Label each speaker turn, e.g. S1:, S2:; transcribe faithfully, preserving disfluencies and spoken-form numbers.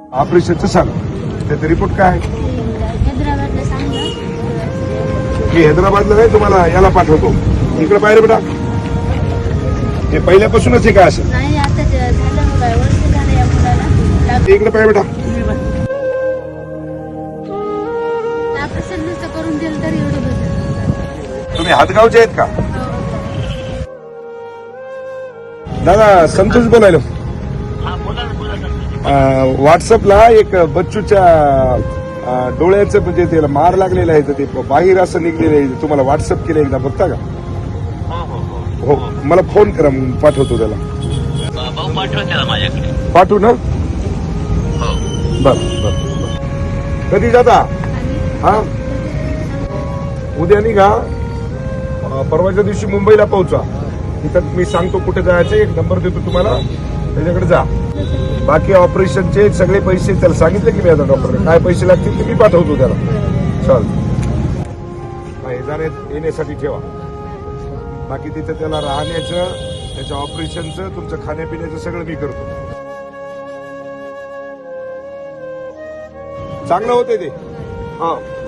S1: ऑपरेशनचं सांग. त्याचा रिपोर्ट काय आहे?
S2: हैदराबादला सांगलं.
S1: मी हैदराबादला नाही, तुम्हाला याला पाठवतो. इकडे बाहेर बेटा. हे पहिल्यापासूनच आहे का असं?
S2: नाही आता ते झालं काय वर्ष झालं या मुलाला.
S1: इकडे पाहिजे बेटा.
S2: ऑपरेशन नुसतं करून दिलं तरी एवढं बरं.
S1: तुम्ही हातगावचे आहेत का? दादा संतोष बोलायलो. व्हॉट्सअपला एक बच्चूच्या अं, डोळ्याचं म्हणजे त्याला मार लागलेला आहे तर ते बाहेर असं निघलेलं आहे. तुम्हाला व्हॉट्सअप केलं एकदा बघता का? हो मला फोन करा, मग पाठवतो त्याला.
S3: भाऊ पाठवा त्याला माझ्याकडे.
S1: पाठवू ना? बर बर. कधी जाता? हा उद्या निघा. अं, परवाच्या दिवशी मुंबईला पोहोचा. तिथं मी सांगतो कुठे जायचं, एक नंबर देतो तुम्हाला, त्याच्याकडे जा. बाकी ऑपरेशनचे सगळे पैसे त्याला सांगितले की मी आता डॉक्टर काय पैसे लागतील ते मी पाठवतो त्याला. चल जाण्यात येण्यासाठी ठेवा. बाकी तिथं त्याला राहण्याचं, त्याच्या ऑपरेशनचं, तुमचं खाण्यापिण्याचं सगळं मी करतो. चांगलं होते ते. हा